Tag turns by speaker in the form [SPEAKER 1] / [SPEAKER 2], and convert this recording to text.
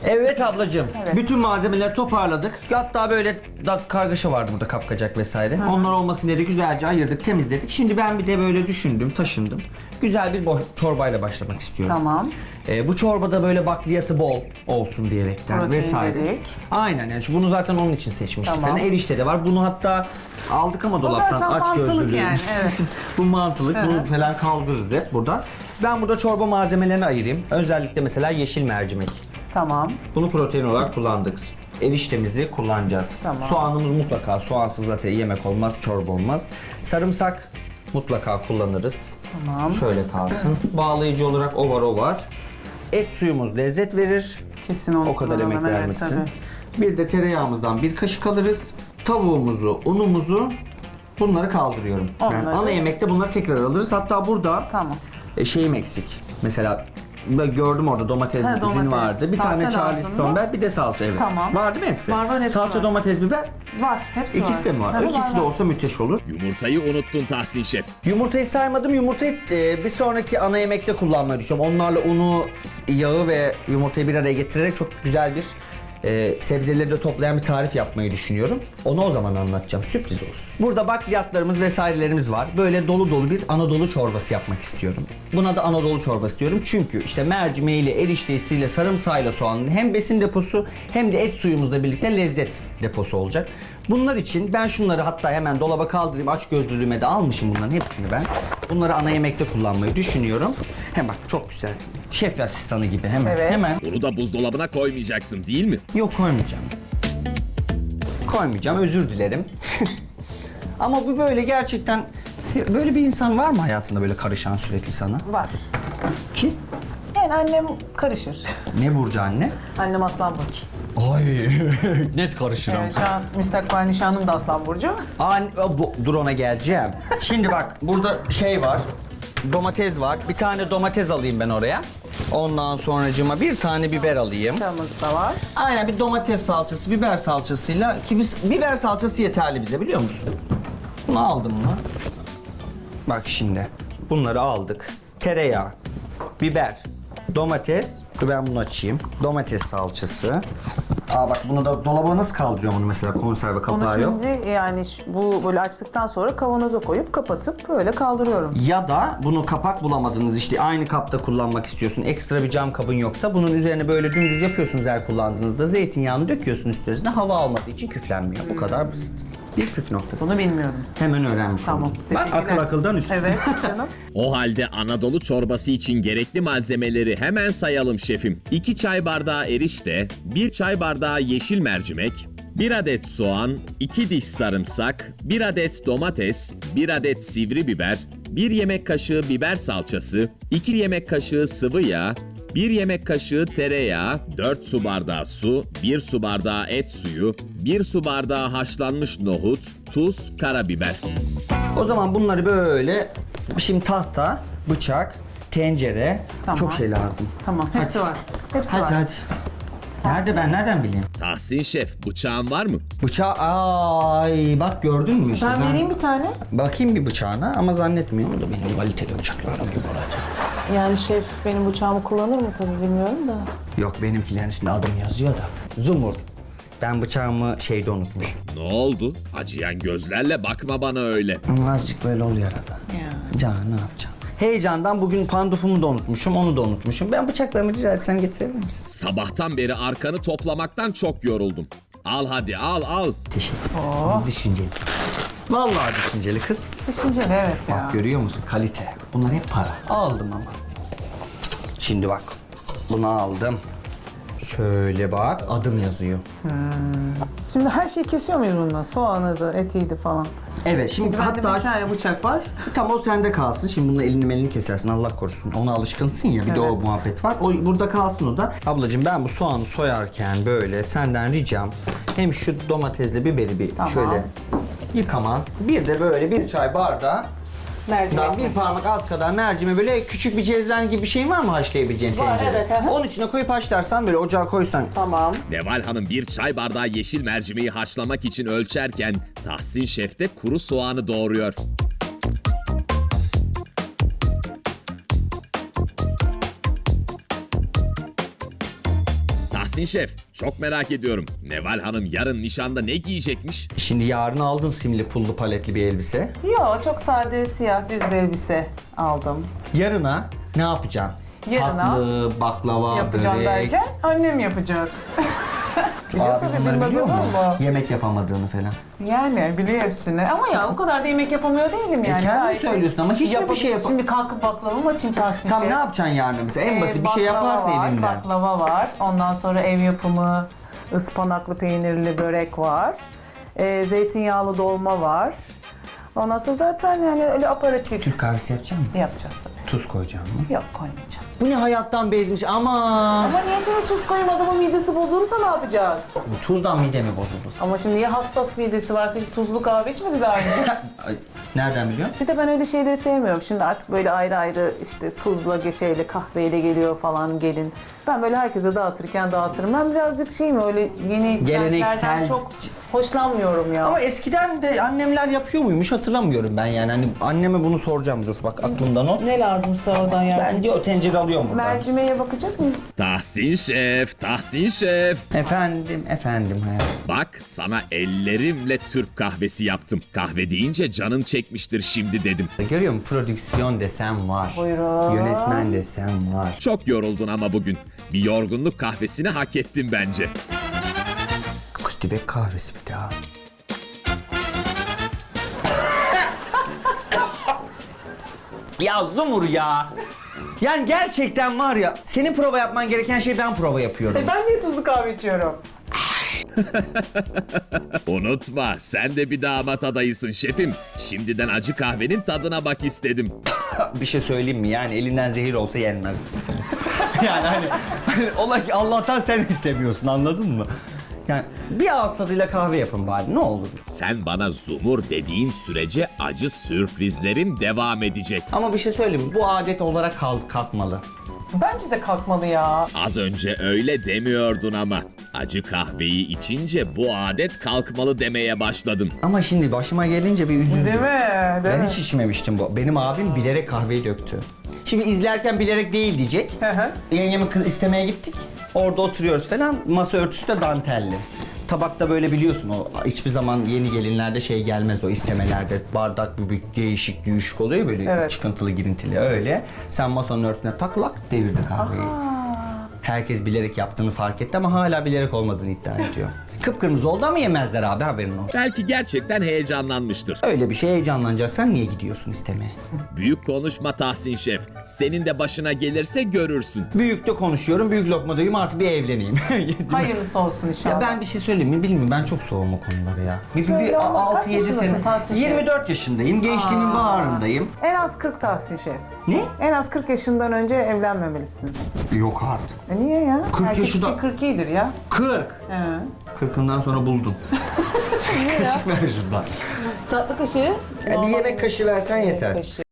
[SPEAKER 1] Evet ablacığım.
[SPEAKER 2] Evet.
[SPEAKER 1] Bütün malzemeleri toparladık. Hatta böyle kargaşa vardı burada, kapkacak vesaire. Onlar olmasın diye de güzelce ayırdık, temizledik. Şimdi ben bir de böyle düşündüm, taşındım. Güzel bir çorbayla başlamak istiyorum.
[SPEAKER 2] Tamam.
[SPEAKER 1] Bu çorbada böyle bakliyatı bol olsun diyerekten
[SPEAKER 2] Protein
[SPEAKER 1] vesaire.
[SPEAKER 2] dedik.
[SPEAKER 1] Aynen, yani bunu zaten onun için seçmiştik.
[SPEAKER 2] Tamam.
[SPEAKER 1] Falan. Erişte de var. Bunu hatta aldık ama dolaptan
[SPEAKER 2] zaten
[SPEAKER 1] aç
[SPEAKER 2] mantılık
[SPEAKER 1] gözlülüğümüz.
[SPEAKER 2] yani, evet.
[SPEAKER 1] Bu mantılık. Bunu falan kaldırırız hep burada. Ben burada çorba malzemelerini ayırayım. Özellikle mesela yeşil mercimek.
[SPEAKER 2] Tamam.
[SPEAKER 1] Bunu protein olarak kullandık. Eriştemizi kullanacağız.
[SPEAKER 2] Tamam.
[SPEAKER 1] Soğanımız mutlaka. Soğansız zaten yemek olmaz, çorba olmaz. Sarımsak mutlaka kullanırız.
[SPEAKER 2] Tamam.
[SPEAKER 1] Şöyle kalsın. Bağlayıcı olarak o var. Et suyumuz lezzet verir.
[SPEAKER 2] Kesin onu
[SPEAKER 1] O kadar
[SPEAKER 2] kullanalım,
[SPEAKER 1] emek
[SPEAKER 2] evet,
[SPEAKER 1] vermişsin.
[SPEAKER 2] tabii.
[SPEAKER 1] Bir de tereyağımızdan bir kaşık alırız. Tavuğumuzu, unumuzu, bunları kaldırıyorum. Ben
[SPEAKER 2] Onları-
[SPEAKER 1] ana yemekte bunları tekrar alırız. Hatta burada
[SPEAKER 2] Tamam.
[SPEAKER 1] şeyim eksik. Mesela ben gördüm orada domates
[SPEAKER 2] Ha,
[SPEAKER 1] izin
[SPEAKER 2] domates.
[SPEAKER 1] vardı. Bir
[SPEAKER 2] Salça
[SPEAKER 1] tane
[SPEAKER 2] lazım
[SPEAKER 1] Charleston
[SPEAKER 2] mı?
[SPEAKER 1] biber, bir de salça, evet.
[SPEAKER 2] Tamam.
[SPEAKER 1] Var değil mi hepsi?
[SPEAKER 2] Var, hepsi
[SPEAKER 1] Salça,
[SPEAKER 2] var.
[SPEAKER 1] domates, biber.
[SPEAKER 2] Var. Hepsi
[SPEAKER 1] İkisi de mi var?
[SPEAKER 2] Tabii,
[SPEAKER 1] İkisi de
[SPEAKER 2] var.
[SPEAKER 1] olsa müthiş olur.
[SPEAKER 3] Yumurtayı unuttun Tahsin Şef.
[SPEAKER 1] Yumurtayı saymadım. Yumurtayı bir sonraki ana yemekte kullanmayı düşünüyorum. Onlarla unu, yağı ve yumurtayı bir araya getirerek çok güzel bir sebzeleri de toplayan bir tarif yapmayı düşünüyorum. Onu o zaman anlatacağım. Sürpriz olsun. Burada bakliyatlarımız vesairelerimiz var. Böyle dolu dolu bir Anadolu çorbası yapmak istiyorum. Buna da Anadolu çorbası diyorum. Çünkü işte mercimeğiyle, eriştesiyle, sarımsağıyla soğanın hem besin deposu hem de et suyumuzla birlikte lezzet deposu olacak. Bunlar için ben şunları hatta hemen dolaba kaldırayım. Aç gözlülüğüme de almışım bunların hepsini ben. Bunları ana yemekte kullanmayı düşünüyorum. Hem bak çok güzel. Şef asistanı gibi hemen.
[SPEAKER 2] Evet.
[SPEAKER 1] Hemen.
[SPEAKER 3] Bunu da buzdolabına koymayacaksın değil mi?
[SPEAKER 1] Yok, koymayacağım. Koymayacağım, özür dilerim. Ama bu böyle gerçekten, böyle bir insan var mı hayatında böyle karışan sürekli sana?
[SPEAKER 2] Var.
[SPEAKER 1] Ki?
[SPEAKER 2] Yani annem karışır.
[SPEAKER 1] Ne burcu anne?
[SPEAKER 2] Annem Aslan Burcu.
[SPEAKER 1] Ay net karışırım.
[SPEAKER 2] Evet, şu an müstakbel nişanlım da Aslan Burcu.
[SPEAKER 1] Dur ona geleceğim. Şimdi bak burada şey var. Domates var. Bir tane domates alayım ben oraya. Ondan sonracığıma bir tane biber alayım.
[SPEAKER 2] Çamız da var.
[SPEAKER 1] Aynen, bir domates salçası, biber salçasıyla ki biber salçası yeterli bize, biliyor musun? Bunu aldım mı? Bak şimdi bunları aldık. Tereyağı, biber, domates. Dur ben bunu açayım. Domates salçası. Bak bunu da dolaba nasıl kaldırıyorum bunu mesela, konserve kapağı
[SPEAKER 2] Onu
[SPEAKER 1] yok.
[SPEAKER 2] şimdi yani bu böyle açtıktan sonra kavanoza koyup kapatıp böyle kaldırıyorum.
[SPEAKER 1] Ya da bunu kapak bulamadınız, işte aynı kapta kullanmak istiyorsun. Ekstra bir cam kabın yoksa bunun üzerine böyle dümdüz yapıyorsunuz her kullandığınızda. Zeytinyağını döküyorsun üstüne, hava almadığı için küflenmiyor. Bu kadar basit. Bir püf noktası.
[SPEAKER 2] Bunu bilmiyordum.
[SPEAKER 1] Hemen öğrenmiş
[SPEAKER 2] Tamam.
[SPEAKER 1] oldum. Bak
[SPEAKER 2] teşekkürler.
[SPEAKER 1] akıl akıldan üstün.
[SPEAKER 2] Evet canım.
[SPEAKER 3] O halde Anadolu çorbası için gerekli malzemeleri hemen sayalım şefim. 2 çay bardağı erişte, 1 çay bardağı yeşil mercimek, 1 adet soğan, 2 diş sarımsak, 1 adet domates, 1 adet sivri biber, 1 yemek kaşığı biber salçası, 2 yemek kaşığı sıvı yağ, 1 yemek kaşığı tereyağı, 4 su bardağı su, 1 su bardağı et suyu, 1 su bardağı haşlanmış nohut, tuz, karabiber.
[SPEAKER 1] O zaman bunları böyle, şimdi tahta, bıçak, tencere,
[SPEAKER 2] Tamam.
[SPEAKER 1] çok şey lazım.
[SPEAKER 2] Tamam. Hepsi
[SPEAKER 1] Hadi.
[SPEAKER 2] var. Hepsi
[SPEAKER 1] Hadi
[SPEAKER 2] var.
[SPEAKER 1] hadi. Nerede, ben nereden bileyim?
[SPEAKER 3] Tahsin Şef, bıçağın var mı?
[SPEAKER 1] Bıçağı, ay bak gördün mü işte.
[SPEAKER 2] Ben vereyim bir tane.
[SPEAKER 1] Bakayım bir bıçağına ama zannetmiyorum da benim kaliteli bıçaklarım gibi olacak.
[SPEAKER 2] Yani şef benim bıçağımı kullanır mı tabii bilmiyorum da.
[SPEAKER 1] Yok, benimkilerin üstünde adım yazıyor da. Zumur. Ben bıçağımı şeyde unutmuşum.
[SPEAKER 3] Ne oldu? Acıyan gözlerle bakma bana öyle.
[SPEAKER 1] Azıcık böyle oluyor arada.
[SPEAKER 2] Ya.
[SPEAKER 1] Can, ne yapacağım? Heyecandan bugün pandufumu da unutmuşum, onu da unutmuşum. Ben bıçaklarımı rica etsem getirebilir misin?
[SPEAKER 3] Sabahtan beri arkanı toplamaktan çok yoruldum. Al hadi al.
[SPEAKER 1] Teşekkür ederim. Düşünceli. Vallahi düşünceli kız.
[SPEAKER 2] Düşünceli evet ya.
[SPEAKER 1] Bak görüyor musun? Kalite. Bunlar hep para. Aldım ama. Şimdi bak. Bunu aldım. Şöyle bak. Adım yazıyor.
[SPEAKER 2] Şimdi her şeyi kesiyor muyuz bundan? Soğanı da, etiydi falan.
[SPEAKER 1] Evet, şimdi
[SPEAKER 2] Bende bir
[SPEAKER 1] hatta
[SPEAKER 2] tane bıçak var.
[SPEAKER 1] tam o sende kalsın. Şimdi bununla elini kesersin, Allah korusun. Ona alışkınsın ya, bir de o
[SPEAKER 2] Evet.
[SPEAKER 1] muhabbet var. O burada kalsın o da. Ablacığım ben bu soğanı soyarken böyle senden ricam hem şu domatesle biberi bir
[SPEAKER 2] Tamam.
[SPEAKER 1] şöyle yıkaman. Bir de böyle bir çay bardağı
[SPEAKER 2] Mercimek.
[SPEAKER 1] bir parmak az kadar mercime, böyle küçük bir cezven gibi bir şeyin var mı haşlayabileceğin
[SPEAKER 2] Var,
[SPEAKER 1] tencere?
[SPEAKER 2] evet, aha.
[SPEAKER 1] Onun içine koyup haşlarsan, böyle ocağa koysan.
[SPEAKER 2] Tamam.
[SPEAKER 3] Neval Hanım bir çay bardağı yeşil mercimeği haşlamak için ölçerken Tahsin Şef de kuru soğanı doğruyor. Tahsin Şef, çok merak ediyorum. Neval Hanım yarın nişanda ne giyecekmiş?
[SPEAKER 1] Şimdi yarın aldın simli pullu paletli bir elbise.
[SPEAKER 2] Yo, çok sade siyah düz bir elbise aldım.
[SPEAKER 1] Yarına ne yapacaksın?
[SPEAKER 2] Yarına
[SPEAKER 1] Tatlı, baklava,
[SPEAKER 2] Yapacağım
[SPEAKER 1] börek.
[SPEAKER 2] derken annem yapacak. Biliyor
[SPEAKER 1] Abi
[SPEAKER 2] tabii,
[SPEAKER 1] bunları
[SPEAKER 2] bilmez
[SPEAKER 1] biliyor
[SPEAKER 2] olur
[SPEAKER 1] mu?
[SPEAKER 2] mu?
[SPEAKER 1] Yemek yapamadığını falan.
[SPEAKER 2] Yani biliyor hepsini. Ama ya o kadar da yemek yapamıyor değilim yani.
[SPEAKER 1] kendin
[SPEAKER 2] Gayet
[SPEAKER 1] söylüyorsun ama hiç mi bir şey
[SPEAKER 2] Şimdi kalkıp baklava mı açayım Tahsin
[SPEAKER 1] Tam
[SPEAKER 2] Şef?
[SPEAKER 1] ne yapacaksın yarın mesela? En basit bir şey
[SPEAKER 2] Baklava
[SPEAKER 1] yaparsın
[SPEAKER 2] var,
[SPEAKER 1] elinden.
[SPEAKER 2] Baklava var. Ondan sonra ev yapımı ıspanaklı peynirli börek var. Zeytinyağlı dolma var. Ondan sonra zaten yani öyle aparatif
[SPEAKER 1] Türk kahvesi yapacak mısın?
[SPEAKER 2] yapacağız tabii.
[SPEAKER 1] Tuz koyacaksın mı?
[SPEAKER 2] Yok, koymayacağım.
[SPEAKER 1] Bu ne hayattan bezmiş aman.
[SPEAKER 2] Ama niye şimdi tuz koyayım, adamın midesi bozulursa ne yapacağız?
[SPEAKER 1] Bu tuzdan mide mi bozulur?
[SPEAKER 2] Ama şimdi ya hassas midesi varsa hiç tuzlu kahve içmedi daha önce.
[SPEAKER 1] Ay, nereden biliyorsun?
[SPEAKER 2] Bir de ben öyle şeyleri sevmiyorum. Şimdi artık böyle ayrı ayrı işte tuzla, şeyle, kahveyle geliyor falan gelin. Ben böyle herkese dağıtırken dağıtırım. Ben birazcık öyle yeni trendlerden
[SPEAKER 1] Geleneksel.
[SPEAKER 2] çok hoşlanmıyorum ya.
[SPEAKER 1] Ama eskiden de annemler yapıyor muymuş hatırlamıyorum ben yani. Hani anneme bunu soracağım, dur bak aklımdan o.
[SPEAKER 2] Ne lazımsa oradan yani.
[SPEAKER 1] Ben diyor tencere alıyorum buradan.
[SPEAKER 2] Mercimeğe bakacak mıyız?
[SPEAKER 3] Tahsin Şef, Tahsin Şef.
[SPEAKER 1] Efendim hayatım.
[SPEAKER 3] Bak sana ellerimle Türk kahvesi yaptım. Kahve deyince canın çekmiştir şimdi dedim.
[SPEAKER 1] Görüyor musun? Prodüksiyon desem var.
[SPEAKER 2] Buyurun.
[SPEAKER 1] Yönetmen desem var.
[SPEAKER 3] Çok yoruldun ama bugün. Bir yorgunluk kahvesini hak ettin bence.
[SPEAKER 1] Kuş dibek kahvesi bir daha. Ya Zumur ya. Yani gerçekten var ya, senin prova yapman gereken şey ben prova yapıyorum.
[SPEAKER 2] Ben niye tuzlu kahve içiyorum?
[SPEAKER 3] Unutma sen de bir damat adayısın şefim. Şimdiden acı kahvenin tadına bak istedim.
[SPEAKER 1] Bir şey söyleyeyim mi? Yani elinden zehir olsa yenmez. Yani hani ola ki Allah'tan sen istemiyorsun, anladın mı? Yani bir ağız tadıyla kahve yapın bari, ne olur.
[SPEAKER 3] Sen bana zumur dediğin sürece acı sürprizlerim devam edecek.
[SPEAKER 1] Ama bir şey söyleyeyim mi? Bu adet olarak kalkmalı.
[SPEAKER 2] Bence de kalkmalı ya.
[SPEAKER 3] Az önce öyle demiyordun ama. Acı kahveyi içince bu adet kalkmalı demeye başladın.
[SPEAKER 1] Ama şimdi başıma gelince bir üzüldüm.
[SPEAKER 2] Değil mi? Değil
[SPEAKER 1] Ben
[SPEAKER 2] mi?
[SPEAKER 1] hiç içmemiştim bu. Benim abim bilerek kahveyi döktü. Şimdi izlerken bilerek değil diyecek.
[SPEAKER 2] Hı hı.
[SPEAKER 1] Yengemi kız istemeye gittik. Orada oturuyoruz falan. Masa örtüsü de dantelli. Tabakta böyle biliyorsun, o hiçbir zaman yeni gelinlerde şey gelmez, o istemelerde bardak bir değişik oluyor böyle,
[SPEAKER 2] Evet.
[SPEAKER 1] çıkıntılı girintili öyle. Sen masanın örtüsüne taklak devirdi kahveyi. Herkes bilerek yaptığını fark etti ama hala bilerek olmadığını iddia ediyor. Kıpkırmızı oldu ama yemezler abi, haberin olsun.
[SPEAKER 3] Belki gerçekten heyecanlanmıştır.
[SPEAKER 1] Öyle bir şey heyecanlanacaksan niye gidiyorsun istemeye?
[SPEAKER 3] Büyük konuşma Tahsin Şef. Senin de başına gelirse görürsün.
[SPEAKER 1] Büyükte konuşuyorum, büyük lokmadayım, artık bir evleneyim. Değil mi?
[SPEAKER 2] Hayırlısı olsun inşallah.
[SPEAKER 1] Ya ben bir şey söyleyeyim mi bilmiyorum, ben çok soğum o konulara ya.
[SPEAKER 2] Öyle ama kaç
[SPEAKER 1] 6-7
[SPEAKER 2] yaşındasın
[SPEAKER 1] sene.
[SPEAKER 2] Tahsin Şef?
[SPEAKER 1] 24 yaşındayım, gençliğimin baharındayım.
[SPEAKER 2] En az 40 Tahsin Şef.
[SPEAKER 1] Ne?
[SPEAKER 2] En az 40 yaşından önce evlenmemelisin.
[SPEAKER 1] Yok artık.
[SPEAKER 2] Niye ya?
[SPEAKER 1] 40
[SPEAKER 2] Erkek
[SPEAKER 1] yaşında-
[SPEAKER 2] için 40 iyidir ya.
[SPEAKER 1] 40.
[SPEAKER 2] He.
[SPEAKER 1] 40'ından sonra buldum.
[SPEAKER 2] Niye ya?
[SPEAKER 1] Kaşık ver şuradan.
[SPEAKER 2] Tatlı kaşığı.
[SPEAKER 1] Bir yemek kaşığı versen yeter.
[SPEAKER 2] Kaşığı.